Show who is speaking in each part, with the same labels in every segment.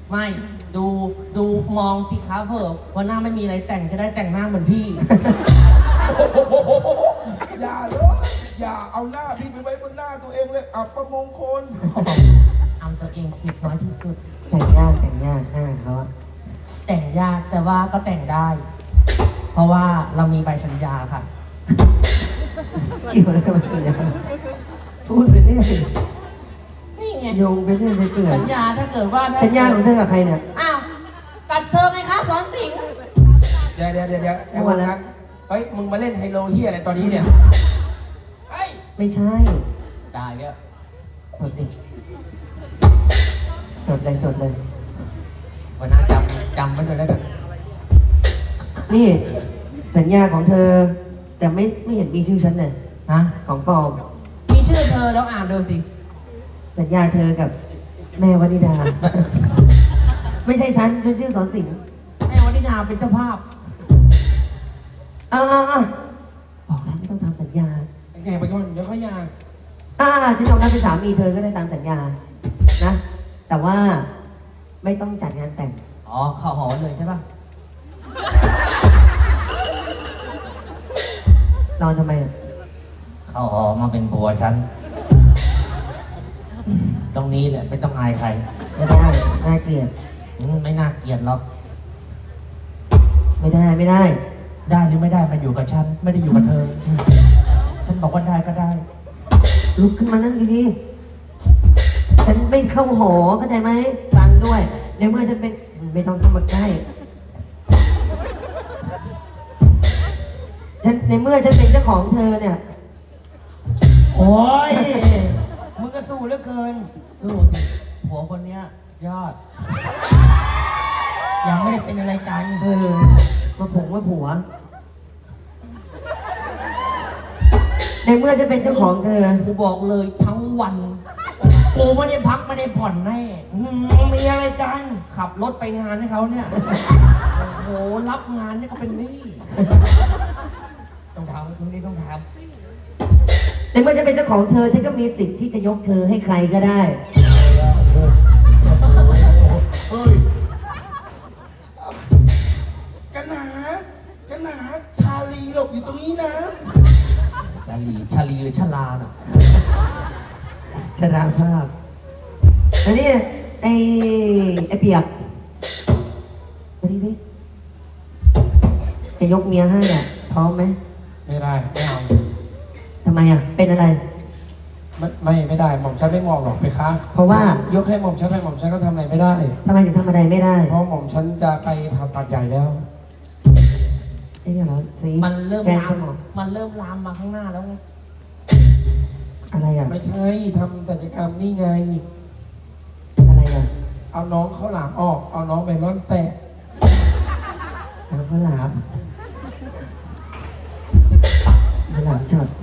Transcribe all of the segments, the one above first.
Speaker 1: ไม่ดูมองสิครับเผื่อว่าหน้าไม่มีอะไรแต่งจะได้แต่งหน้าเหมือนพี่
Speaker 2: อย่าเลยอย่าเอาหน้าพี่ไปไว้บนหน้าตัวเองเลยอับประมงคล
Speaker 1: เอาตัวเองเจ็บน้อยที่สุด
Speaker 3: แต่งยากหน้าเขาอะ
Speaker 1: แต่งยากแต่ว่าก็แต่งได้ เพราะว่าเรามีใบสัญญาค่ะ
Speaker 3: เกี่ยวอะไรกับสัญญาพูดไปเรื่อย
Speaker 1: นี่ไง
Speaker 3: โยงไปเรื่อยไปเปื่อย
Speaker 1: สัญญาถ้าเกิดว่า
Speaker 3: สัญญาของเธอกับใครเนี่ย
Speaker 1: อ้าวกัดเธอไงคะสอนสิงห์
Speaker 2: เดี๋ยวไอ้วันนั้นเฮ้ยมึงมาเล่นไฮโลเฮียอะไรตอนนี้เนี่ยเฮ้ย
Speaker 3: ไม่ใช่
Speaker 1: ได้เนี่ย
Speaker 3: จดดิจดเลย
Speaker 1: วันนั้นจำไว้ด้วยแล้วกัน
Speaker 3: นี่สัญญาของเธอ แต่ไม่เห็นมีชื่อฉันเลย
Speaker 1: ฮะ
Speaker 3: ของปลอม
Speaker 1: มีชื่อเธอแล้วอ่านดูสิ
Speaker 3: สัญญาเธอกับแม่วนิดา ไม่ใช่ฉันเป็นชื่อสอนสิงห์
Speaker 1: แม่วันนิดาเป็นเจ้าภาพ
Speaker 3: อ่าบอกแล้วไม่ต้องทำสัญญา
Speaker 2: แกไปก่อนเดี๋ยวเขายาง
Speaker 3: ฉันยอมรับเป็นสามีเธอก็ได้ตามสัญญา นะ แต่ว่าไม่ต้องจัดงานแต่ง
Speaker 1: อ๋อเข้าหอเลยใช่ป่ะ
Speaker 3: นอนทำไมอ่ะ
Speaker 1: เข้าหอมาเป็นผัวฉัน ตรงนี้แหละไม่ต้องอายใคร
Speaker 3: ไม่ได้น่าเกลียด
Speaker 1: ไม่น่าเกลียดหรอก
Speaker 3: ไม่ได้
Speaker 1: ได้หรือไม่ได้มันอยู่กับฉัน ไม่ได้อยู่กับเธอ ฉันบอกว่าได้ก็ได้
Speaker 3: ลุกขึ้นมานั่งดีๆฉันไม่เข้าหอเข้าใจไหมฟังด้วย ในเมื่อฉันเป็นไม่ต้องเข้ามาใกล้ในเมื่อฉันเป็นเจ้าของเธอเนี่ย
Speaker 4: โอ้ย มึงก็สู้เหลือเกิน
Speaker 1: ดูสิผัวคนเนี้ยยอด
Speaker 4: ยังไม่ได้เป็นอะไรกัน
Speaker 3: มาผงมาผัว ในเมื่อฉันเป็นเจ้าของเธอ
Speaker 1: กูบอกเลยทั้งวัน กูไม่ได้พักไม่ได้ผ่อนแน่
Speaker 4: มีอะไรกัน
Speaker 1: ขับรถไปงานให้เขาเนี่ย โอ้โห รับงานเนี่ยก็เป็นหนี้
Speaker 4: ต้องทำตรงนี้ต้องท
Speaker 3: ในเมื่อฉันเป็นเจ้าของเธอ ฉันก็มีสิทธิ์ที่จะยกเธอให้ใครก็ได้
Speaker 2: เฮ้ยกันหนาชาลีหลบอยู่ตรงนี้นะ
Speaker 1: ชาลีหรือชลาน่ะ
Speaker 3: ชราภาพอันนี้ไอ้เปียกมาดิสิจะยกเมียให้อ่ะพร้อมไหม
Speaker 2: ไม่ได้ไม่เอา
Speaker 3: ทำไมอ่ะ เป็นอะไร
Speaker 2: ไม่ได้หม่อมฉันไม่มองหรอกไปคะ
Speaker 3: เพราะว่าย
Speaker 2: กให้หม่อมฉันไปหม่อมฉันก็ทำอะไรไม่ได้
Speaker 3: ทำไมถึงทำอะไรไม่ได้
Speaker 2: เพราะหม่อมฉันจะไปผ่าตัดใหญ่แล้ว
Speaker 3: ไอ้เนี่ยเหรอสี
Speaker 1: มันเริ่ม
Speaker 3: แกน
Speaker 1: ลา
Speaker 3: ส
Speaker 1: ม
Speaker 3: มอง
Speaker 1: มันเริ่มลามมาข้างหน้าแล้วไง
Speaker 3: อะไรอ่ะ
Speaker 2: ไม่ใช่ทำศัลยกรรมนี่ไง
Speaker 3: อะไรอ่ะ
Speaker 2: เอาน้องเขาหลามออก เอาน้องไปร่อนแปะ
Speaker 3: ทางข้าวหลามข้าวหลามช็อต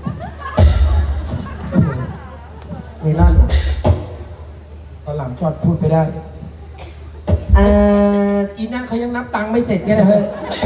Speaker 3: เมลอนเหรอ
Speaker 2: ตอนหลังช็อตพูดไปได้
Speaker 3: เอ่อ
Speaker 2: อีนั่นเขายังนับตังค์ไม่เสร็จไงนะเฮ้ย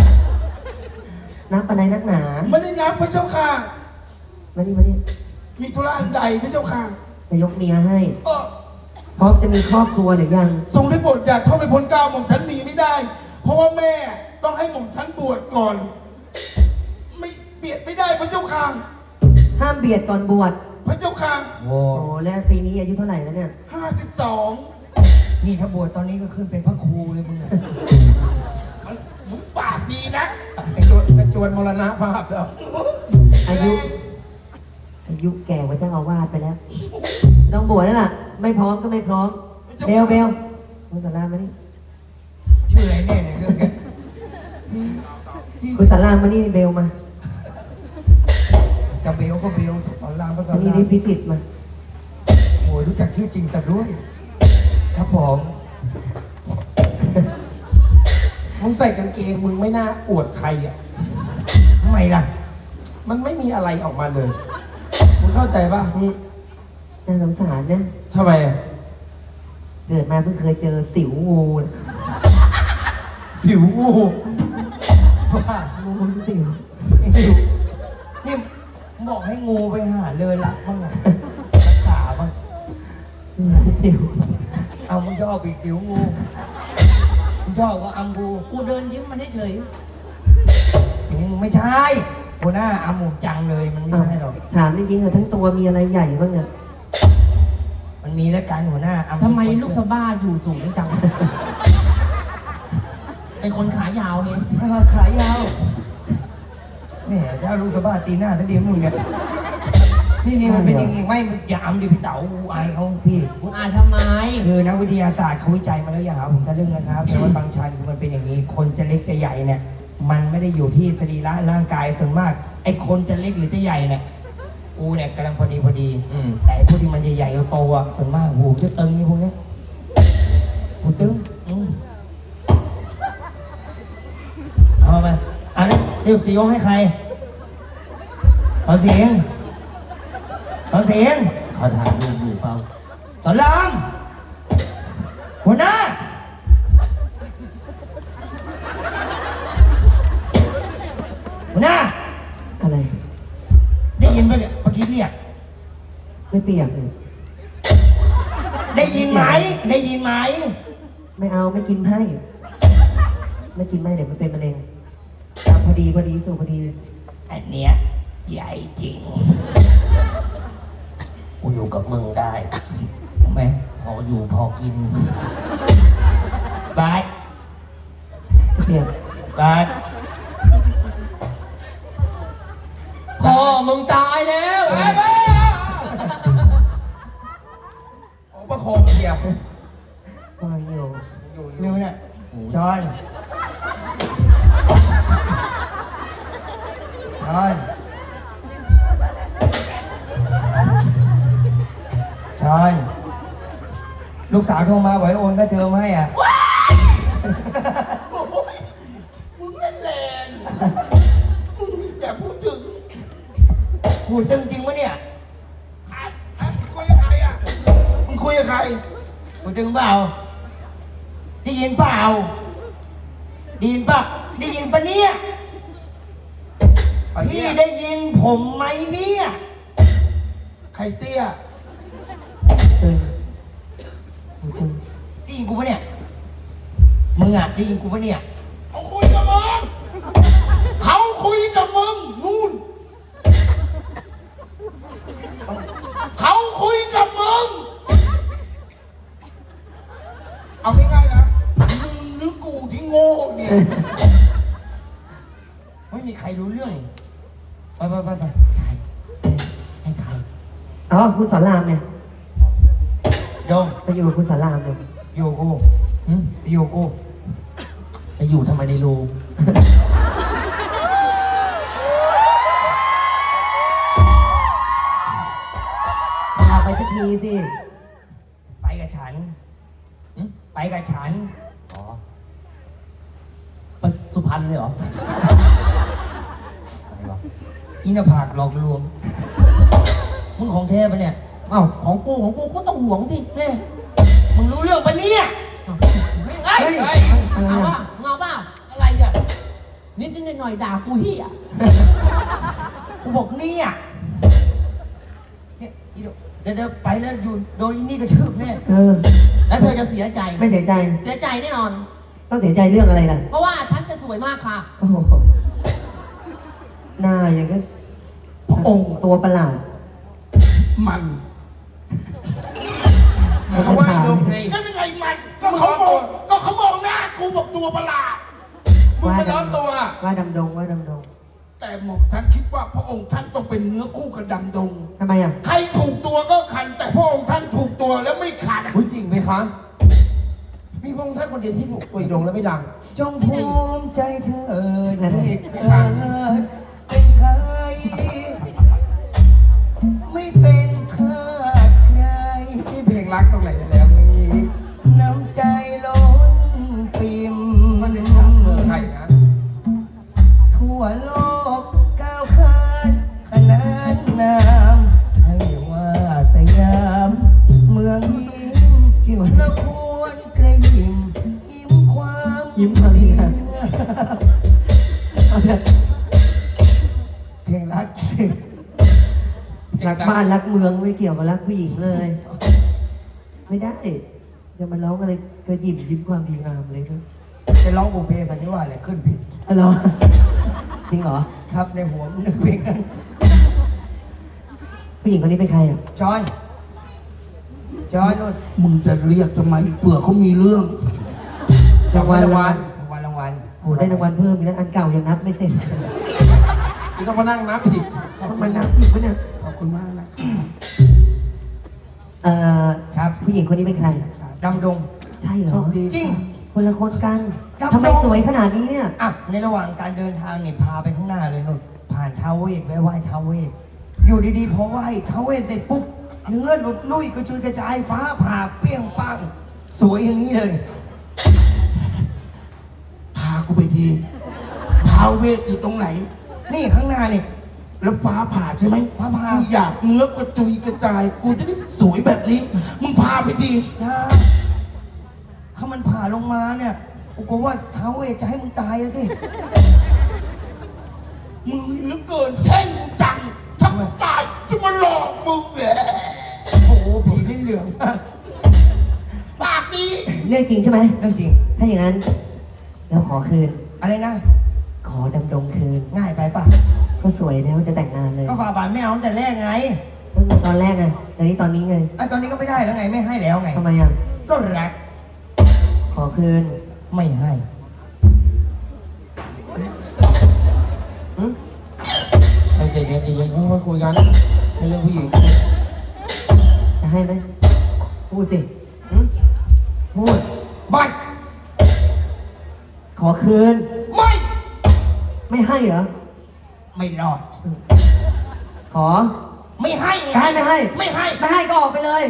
Speaker 3: นับอะไรนักหนา
Speaker 2: ไม่ได้นับพระเจ้าค่ะ
Speaker 3: มานี่
Speaker 2: มีธุระอันใดพระเจ้าค่ะ
Speaker 3: จะยกเมียให้
Speaker 2: เออ
Speaker 3: พร้อมจะมีครอบครัวหรือยัง
Speaker 2: ทรงได้โปรดอยากเข้าไปพ้นเกล้าหม่อมฉันหนีไม่ได้ เพราะว่าแม่ต้องให้หม่อมฉันบวชก่อน ไม่เบียดไม่ได้พระเจ้าค่ะ
Speaker 3: ห้ามเบียดก่อนบวช
Speaker 2: พระเจ้าค่ะ
Speaker 4: ำโอ้
Speaker 3: โอ้แล้วปีนี้อายุเท่าไหร่แล้วเนี่ย
Speaker 2: 52
Speaker 4: นี่ถ้าบวชตอนนี้ก็ขึ้นเป็นพระครูเลยมึงอะ
Speaker 2: มึงปากดีนะไอ้จวนมรณภาพแล้ว
Speaker 3: อายุแก่กว่าเจ้าอาวาสไปแล้ว ต้องบวชแล้วล่ะ ไม่พร้อมก็ไม่พร้อม เบลคุณสารามมานี่
Speaker 4: ชื่ออะไรแน่เนี่ยเรื่องเนี้ย
Speaker 3: คุณสารามมานี่เบลมา
Speaker 4: จะเบลก็เบลตอนรามก็สอ
Speaker 3: อัน
Speaker 4: น
Speaker 3: นี้
Speaker 4: ราม
Speaker 3: นี่พิสิทธิ์มา
Speaker 4: โอ้ยรู้จักชื่อจริงแต่ด้วย ครับผม
Speaker 2: มึงใส่กางเกงมึงไม่น่าอวดใครอ่ะ
Speaker 4: ทำไมล่ะ
Speaker 2: มันไม่มีอะไรออกมาเลย มึงเข้าใจป่ะ
Speaker 3: น่าสงสารนะ
Speaker 2: ทำไมอ่ะ
Speaker 3: เกิดมาเพิ่งเคยเจอสิวงูนะ
Speaker 2: ผิวงู
Speaker 4: ว่า
Speaker 3: งูสิว
Speaker 4: นี่บอกให้งูไปหาเลยรักบ้างอะรักษาบ้าง
Speaker 3: สิว
Speaker 4: เอามึงชอบปีกติ๋วงูมึงชอบก็อัมกู
Speaker 1: กูเดินยิ้มมาเฉย
Speaker 4: ไม่ใช่หัวหน้าอัมหมูจังเลยมันไม่
Speaker 3: อ้าว
Speaker 4: ใช่หรอก
Speaker 3: ถามจริงๆเหรอทั้งตัวมีอะไรใหญ่บ้างเนี่ย
Speaker 4: มันมีแล้วกันหัวหน้าอัม
Speaker 1: ๆทำไมลูกสะบ้าอยู่สูงจัง เป็นคนขายาวไง
Speaker 4: ขายาวแหมเจ้าลูกสะบ้าตีหน้าซะดีมึงเนี่ยนี่มันเป็นอย่างงี้ไม่อย่าอัมดิพี่เต๋าอายเขาพี่
Speaker 1: มึงอายทำไม
Speaker 4: คือนักวิทยาศาสตร์เขาวิจัยมาแล้วอย่าหาผมทะลึ่งนะครับแต่ว่าบางชันคือมันเป็นอย่างนี้ คนจะเล็กจะใหญ่เนี่ย มันไม่ได้อยู่ที่สรีระร่างกายส่วนมากไอ้คนจะเล็กหรือจะใหญ่เนี่ยกูเนี่ยกำลังพอดี
Speaker 1: อืม
Speaker 4: แต่ไอ้พวกที่มันใหญ่ๆโตๆอ่ะส่วนมากหูจะตึงนี่พวกเนี้ยหูตึงเอามาอันนี้จะยกให้ใครขอเสียงขอเสียง
Speaker 1: เขาถ่ายรูปอยู่เปล่า
Speaker 4: สอนรามหัวหน้าหัวหน้า
Speaker 3: อะไร
Speaker 4: ได้ยินไหมเนี่ยเมื่อกี้เรียก
Speaker 3: ไม่เปียกเลย
Speaker 4: ได้ยินไหมได้ยินไหม
Speaker 3: ไม่เอาไม่กินให้ไม่กินไม่เดี๋ยวมันเป็นมะเร็งตามพอดีสูพอดี
Speaker 4: อันเนี้ยใหญ่จริง
Speaker 1: กูอยู่กับมึงได้
Speaker 4: ทำไม
Speaker 1: พออยู่พอกิน
Speaker 4: บาส
Speaker 3: ไม่เปียก
Speaker 4: บาส
Speaker 1: พ่อมึงตายแล้ว
Speaker 2: ไปไปออกประคองเหยียบ
Speaker 3: วางอยู่
Speaker 4: เร็วเนี่ยจอนจอนลูกสาวโทรมาบอกให้โอนค่าเทอมให้อ่ะ
Speaker 2: โอ้ยมึงเล่นแรงมึงอย่าพูดถึง
Speaker 4: หูตึงจริงปะเนี่ย
Speaker 2: คุยกับใครอ่ะมึงคุยกับใคร
Speaker 4: หูตึงเปล่าได้ยินเปล่าได้ยินปะได้ยินปะเนี่ยพี่ได้ยินผมไหมเนี่ย
Speaker 2: ใครเตี้ย
Speaker 3: ตึงหูตึง
Speaker 4: ได้ยินกูปะเนี่ยมึงอ่ะได้ยินกูปะเนี่ย
Speaker 2: เขาคุยกับมึงเขาคุยกับมึงนู่นเขาคุยกับมึงเอาง่ายๆนะมึงหรือกูที่โง่เนี่ย
Speaker 4: ไม่มีใครรู้เรื่องไปใครให้ใคร
Speaker 3: อ๋อคุณสอนรามเนี่ย
Speaker 4: โยม
Speaker 3: ไปอยู่กับคุณสอนรามเนี่ย
Speaker 4: อยู่กู
Speaker 1: อืม
Speaker 4: อยู่กู
Speaker 1: ไปอยู่ทำไมในรู
Speaker 3: พาไปสักทีสิ
Speaker 4: ไปกับฉัน
Speaker 1: อืม
Speaker 4: ไปกับฉัน
Speaker 1: อ๋อ ไปสุพรรณเลยเหรอ อะไรวะ
Speaker 4: อินภากหลอกลวงมึงของเทพปะเนี่ย
Speaker 1: เอ้าของกูก็ต้องห่วงสิ
Speaker 4: เนี่ยมึงรู้เรื่องปะเนี่ย
Speaker 1: เอ้าเฮ้ย
Speaker 3: อะไร
Speaker 1: เอา
Speaker 3: อ่ะ
Speaker 1: ป่ะเงาป่ะ
Speaker 4: อะไรอ่ะ
Speaker 1: นิดหน่อยๆด่ากูเหี้ย
Speaker 4: กูบอกเนี่ยเนี่ยอีเดี๋ยวไปแล้วอยู่โดนอีนี่กระชืบแน่
Speaker 3: เออ
Speaker 1: แล้วเธอจะเสียใจ
Speaker 3: ไม่เสียใจ
Speaker 1: เสียใจแน่นอน
Speaker 3: ต้องเสียใจเรื่องอะไรล่ะ
Speaker 1: เพราะว่าฉันจะสวยมากค่ะ
Speaker 3: โอ้โหหน้าอย่างก็
Speaker 2: พระองค์
Speaker 3: ตัวประหลาด
Speaker 2: มัน
Speaker 1: เขาว่าโยมไง
Speaker 2: ก็ยังไงมันก็เขามองหน้ากูบอกตัวประหลาดมึงไม่ร้อนตัว
Speaker 3: ว่าดำดงว่าดำดง
Speaker 2: แต่หม่อมฉันคิดว่าพระองค์ท่านต้องเป็นเนื้อคู่กับดำดง
Speaker 3: ทำไมอ่ะ
Speaker 2: ใครถูกตัวก็คัน แต่พระองค์ท่านถูกตัวแล้วไม่ขัด
Speaker 1: พูดจริงไหมคะ มีพระองค์ท่านคนเดียวที่ถูกตัวดงแล้วไม่ดัง
Speaker 4: จงภูมิใจเธอที่เกิดเป็นใครไม่เป็นทาสใคร
Speaker 2: นี่เพลงรักตรงไหนแล้วมี
Speaker 4: น้ำใจล้นปิ่ม
Speaker 2: มันเป็นช้ำเมืองไทยนะ
Speaker 4: ทั่วโลกก้าวข้านขนานนามให้ว่าสยามเมืองยิ้มเราควรกระยิ้มยิ้มความยิ้มอะไรนะเพลงรัก
Speaker 3: รักบ้านรักเมืองไม่เกี่ยวกับรักผู้หญิงเลย ไม่ได้จะมาร้องอะไรก็ยิ้มความดีงามเลยนะ
Speaker 4: จะร้องบุพเพสันนิวาสอะไรขึ้นผิด
Speaker 3: อ๋อเหรอจริงเหรอ
Speaker 4: ครับในหัวมันนึกเพลงนั้น
Speaker 3: ผู้หญิงคนนี้เป็นใครอ่ะ
Speaker 4: จอนนู่น
Speaker 2: มึงจะเรียกทำไมเผื่อเขามีเรื่อง
Speaker 3: รางวัล
Speaker 4: รางวัล
Speaker 3: โอ้ได้รางวัลเพิ่มอีกแล้วอันเก่ายังนับไม่เสร็จ
Speaker 2: นี่ต้องมานั่งนับผิด
Speaker 3: ต้องมานับอีกปะเนี่ย
Speaker 2: ขอบคุณมากนะครับ
Speaker 3: เอ่อ
Speaker 4: ครับ
Speaker 3: ผู้หญิงคนนี้เป็นใคร
Speaker 4: ดำดง
Speaker 3: ใช่เหร
Speaker 2: โช
Speaker 3: อ
Speaker 2: คดี
Speaker 4: จริง
Speaker 3: คนละคนกัน
Speaker 4: ดำรง
Speaker 3: ทำไมสวยขนาดนี้เนี่ย
Speaker 4: อ่ะในระหว่างการเดินทางนี่พาไปข้างหน้าเลยนู่นผ่านท้าวเวสไปไหว้ท้าวเวสอยู่ดีๆพอไหว้ท้าวเวสเสร็จปุ๊บเนื้อหลุดลุ่ยกระจุยกระจายฟ้าผ่าเปรี้ยงปังสวยอย่างนี้เลย
Speaker 2: พากูไปทีท้าวเวทอยู่ตรงไหน
Speaker 4: นี่ข้างหน้านี่
Speaker 2: แล้วฟ้าผ่าใช่ไหม
Speaker 4: ฟ้าผ่า
Speaker 2: กูอยากเนื้อกระจุยกระจาย กูจะได้สวยแบบนี้ มึงพาไปที
Speaker 4: นะถ้ามันผ่าลงมาเนี่ยกูกลัวว่าท้าวเวสจะให้มึงตายอะสิ
Speaker 2: มึงนี่เหลือเกินแช่งกูจังถ้ากูตายจะมาหลอกมึงแหละ
Speaker 4: โอ้โหผีลิ้นเหลืองมาก
Speaker 2: ปากนี้
Speaker 3: เรื่องจริงใช่ไหม
Speaker 4: เรื่องจริง
Speaker 3: ถ้าอย่างนั้นเราขอคืน
Speaker 4: อะไรนะ
Speaker 3: ขอดำดงคืน
Speaker 4: ง่ายไปป่ะ
Speaker 3: ก็สวยแล้วจะแต่งงานเลย
Speaker 4: ก็ฝ่าบาทไม่เอาตั้งแต่แรกไง
Speaker 3: ตั้งแต่ตอนแรกไงแต่นี้ตอนนี้ไง
Speaker 4: ไอ้ตอนนี้ก็ไม่ได้แล้วไงไม่ให้แล้วไง
Speaker 3: ทำไมอ่ะ
Speaker 4: ก็รัก
Speaker 3: ขอคืน
Speaker 4: ไม่ให้
Speaker 3: หึ
Speaker 1: ใจเย็นค่อยๆคุยกันในเรื่องผู้หญิง
Speaker 3: จะให้ไหมพูดสิหึพูด
Speaker 4: ไม่
Speaker 3: ขอคืน
Speaker 4: ไม่
Speaker 3: ไม่ให้เหรอ
Speaker 4: ไม่รอด
Speaker 3: ขอ
Speaker 4: ไม่ให้ไง
Speaker 3: ไม่ให้
Speaker 4: ไม่ให้
Speaker 3: ไม่ให้ก็ออกไปเลย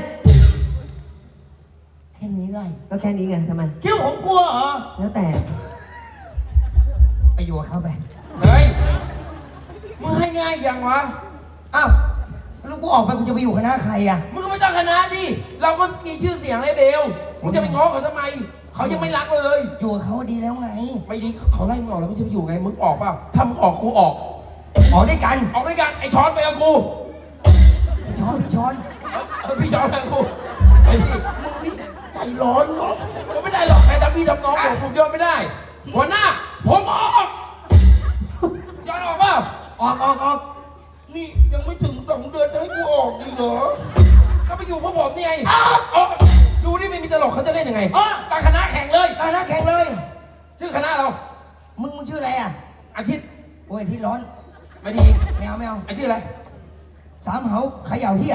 Speaker 4: แค่นี้ไร
Speaker 3: ก็แค่นี้ไงทำไม
Speaker 4: คิดว่าผมกลัวเหรอ
Speaker 3: แล้วแต่
Speaker 4: ไปอยู่กับเขาไป
Speaker 1: เฮ้ยมึงให้ง่ายยังวะ
Speaker 4: อ้าวแล้วกูออกไปกูจะไปอยู่คณะใครอ่ะ
Speaker 1: มึงก็ไม่ต้องคณะดิเราก็มีชื่อเสียงไอ้เบลมึงจะไปง้อเขาทำไมเขายังไม่รักเราเลย
Speaker 4: อยู่กับเขาดีแล้วไง
Speaker 1: ไม่ดีเขาไล่มึงออกแล้วมึงจะไปอยู่ไงมึงออกเปล่าถ้ามึงออกกูออก
Speaker 4: ออกด้วยกัน
Speaker 1: ออกด้วยกันไอ้ช้อนไปกับกู
Speaker 4: พี่ช้อนพี่ช้อน
Speaker 1: พี่ช้อนไปกับกูไอ้พี่มึงนี่ใจร้อนเหรอก็ไม่ได้หรอกใครทำพี่ทำน้องผมยอมไม่ได้หัวหน้าผมออกย้อนออกเปล่า
Speaker 4: ออก
Speaker 2: นี่ยังไม่ถึง2 เดือนจะให้กูออกอีกเหรอ
Speaker 1: ก็ไปอยู่พวกผมนี่ไงดูนี่ไม่มีตลกเขาจะเล่นยังไง
Speaker 4: อ๋อ
Speaker 1: ตั้งคณะแข่งเลย
Speaker 4: คณะแข่งเลย
Speaker 1: ชื่อคณะเรา
Speaker 4: มึงชื่ออะไรอ่ะ
Speaker 1: อาทิตย์
Speaker 4: โอ้ยที่ร้อน
Speaker 1: ไม่ดี
Speaker 4: ไม่เอาไม่เอา
Speaker 1: ไอ้ชื่ออะไร
Speaker 4: สามเหาเขย่าเฮีย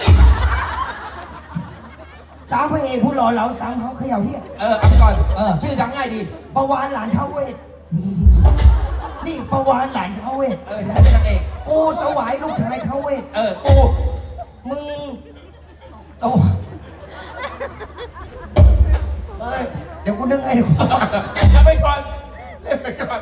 Speaker 4: สามพระเอกผู้หล่อเหลาสามเหาเขย่าเฮีย
Speaker 1: เอาไปก่อน
Speaker 4: ชื่อ
Speaker 1: จำง่ายดี
Speaker 4: ประวานหลานเท้าเวท นี่ประวานหลานเท้าเวท
Speaker 1: ได้เป็นนางเอก
Speaker 4: กูสวายลูกชายเท้าเวท
Speaker 1: กู
Speaker 4: มึงโตเอ้ย เดี๋ยวกูนึกไงดู
Speaker 1: เอาไปก่อนเล่นไปก่อน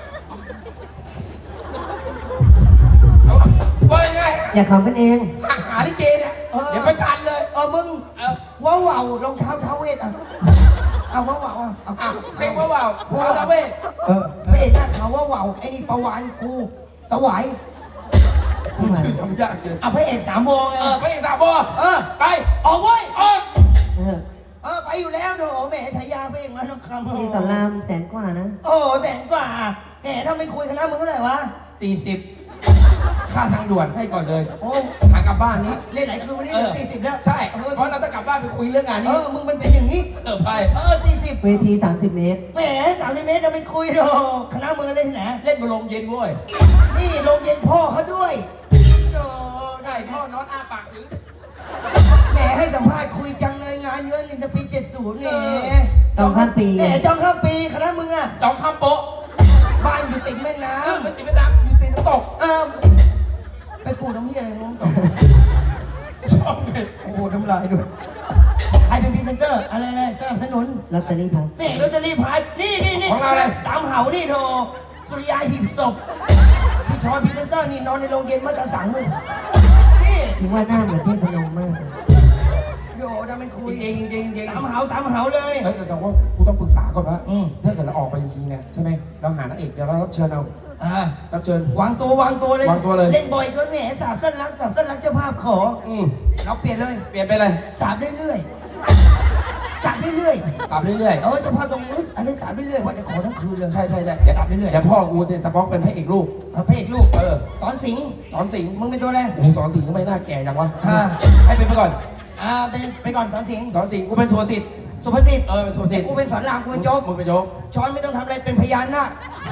Speaker 1: ว่ายังไง
Speaker 3: อย่าขำกันเอง
Speaker 1: หาลิเกเนี่ยเดี๋ยวไปทันเลย
Speaker 4: มึงว้าวว่าวรองเท้าเท้าเวทอ่ะเอาว้าวว่าวอ่ะเอา
Speaker 1: เพลงว้าวพาวตาเวท
Speaker 4: พระเอกหน้าขาวว้าวว่าวไอ้นี่ประวานกูสวาย
Speaker 1: ชื่อจำยากเลย
Speaker 4: พระเอกสามโมงไง
Speaker 1: ไปอีกสามบอ
Speaker 4: ไปออกเว้ย
Speaker 3: เออ
Speaker 4: ไปอยู่แล้วโถแหมฉายาพระเอกมาต้องคำ
Speaker 3: ที่สอนรามแสนกว่านะ
Speaker 4: โอ้แสนกว่าแหมถ้าไม่คุยคณะมึงเท่าไหร่วะ
Speaker 1: 40ค่าทางด่วนให้ก่อนเลย
Speaker 4: โอ้
Speaker 1: ทางกลับบ้านนี้
Speaker 4: เล่นหลายคืนวันนี้เหลือ40แล้ว
Speaker 1: ใช่เพราะเราจะกลับบ้านไปคุยเรื่องงานนี้
Speaker 4: มึงมันเป็นอย่างนี้
Speaker 1: ไป
Speaker 4: 40
Speaker 3: เวที 30 เมตร
Speaker 4: แหม30 เมตรเราไม่คุยหรอกคณะมึงเล่นที่ไหน
Speaker 1: เล่นบนโรงเย็นเว้ย
Speaker 4: นี่โรงเย็นพ่อเขาด้วยโอ้
Speaker 1: ได้พ่อนอนอ้าปากถือ
Speaker 4: แหมให้สัมภาษณ์คุยจังเลยงานเยอะนี่จะปี70แหม
Speaker 3: ต้องข้ามปี
Speaker 4: แหมจองข้ามปีคณะมึงอะ
Speaker 1: จองข้ามโป๊ะ
Speaker 4: บ้านอยู่ติดแม่น้
Speaker 1: มันจิบไม่ดังอยู่ตีน้ำตก
Speaker 4: ำไปปลูกน้ำเหี้ยอะไรน้องต่อ
Speaker 1: ชอบเลย
Speaker 4: โอ้โหน้ำลายด้วยใครเป็นพรีเซนเตอร์อะไรสนับสนุน
Speaker 3: ลอตเตอรี่พลัส
Speaker 4: นี่ลอตเตอรี่พายนี่สามเหานี่โทสุริยาหีบศพพี่ชอยพรีเซนเตอร์นี่นอนในโรงเย็นมาตะสังเลยนี่
Speaker 3: ถึงว่าหน้าเหมือนเทพนมมากเลย
Speaker 4: โยทำเป็นคุย
Speaker 1: จริง
Speaker 4: สามเหาเลย
Speaker 1: เฮ้ยแต่ว่ากูต้องปรึกษาก่อนว่าถ้าเกิดเราออกไปจริงๆเนี่ยใช่ไหมเราหานางเอกเดี๋ยวเรารับเชิญเอารับเชิญ
Speaker 4: วางตัวเลย
Speaker 1: วางตัวเลย
Speaker 4: เล่นบ่อยเกินแหมสาบสั้นรักเจ้าภาพขอเราเปลี่ยนเลย
Speaker 1: เปลี่ยนไปเลย
Speaker 4: สาบเรื่อยสับเรื่อย
Speaker 1: กลับเรื่อย
Speaker 4: ๆเฉพาะตรงนี้อะไรสับเรื่อยๆวันจะขอทั้งคืนเลย
Speaker 1: ๆใช่เดี๋ยว
Speaker 4: กลับเรื่อยๆ
Speaker 1: เดี๋ยวพ่อกูเนี่ยตะป๊อกเป็นพระเอกลูก
Speaker 4: พระเอกลูก สอนสิงห์
Speaker 1: สอนสิงห์
Speaker 4: มึงเป็นตัวอะไร
Speaker 1: โอ้โหสอนสิงห์ก็ไม่น่าแก่จังวะ
Speaker 4: อ่า
Speaker 1: ให้เป็นไปก่อน
Speaker 4: เป็นไปก่อนสอนสิงห์
Speaker 1: สอนสิงห์กูเป็นสุภสิทธิ์
Speaker 4: สุภสิทธิ์
Speaker 1: เป็นสุภสิทธิ์
Speaker 4: กูเป็นสอนรามกูเป็นโจ๊ก
Speaker 1: มึงเป็นโจ๊ก
Speaker 4: ช้อนไม่ต้องทำอะไรเป็นพยานนะ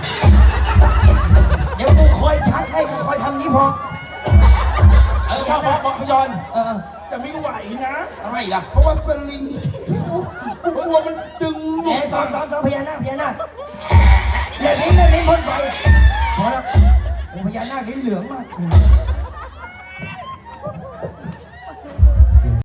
Speaker 4: เดี๋ยวกูคอยชักให้กูคอยทำนี้พอ
Speaker 1: พ่อพี่จอน
Speaker 2: จะไม่ไหวนะ
Speaker 1: ทำไมอีกล่ะ
Speaker 2: เพราะว่าสลิงกลัวมันดึงห
Speaker 4: แห
Speaker 2: นู
Speaker 4: มสอนพญานาคอย่าลิ้นพ่นไฟพอแล้วโอ้พญานาคลิ้นเหลืองมาก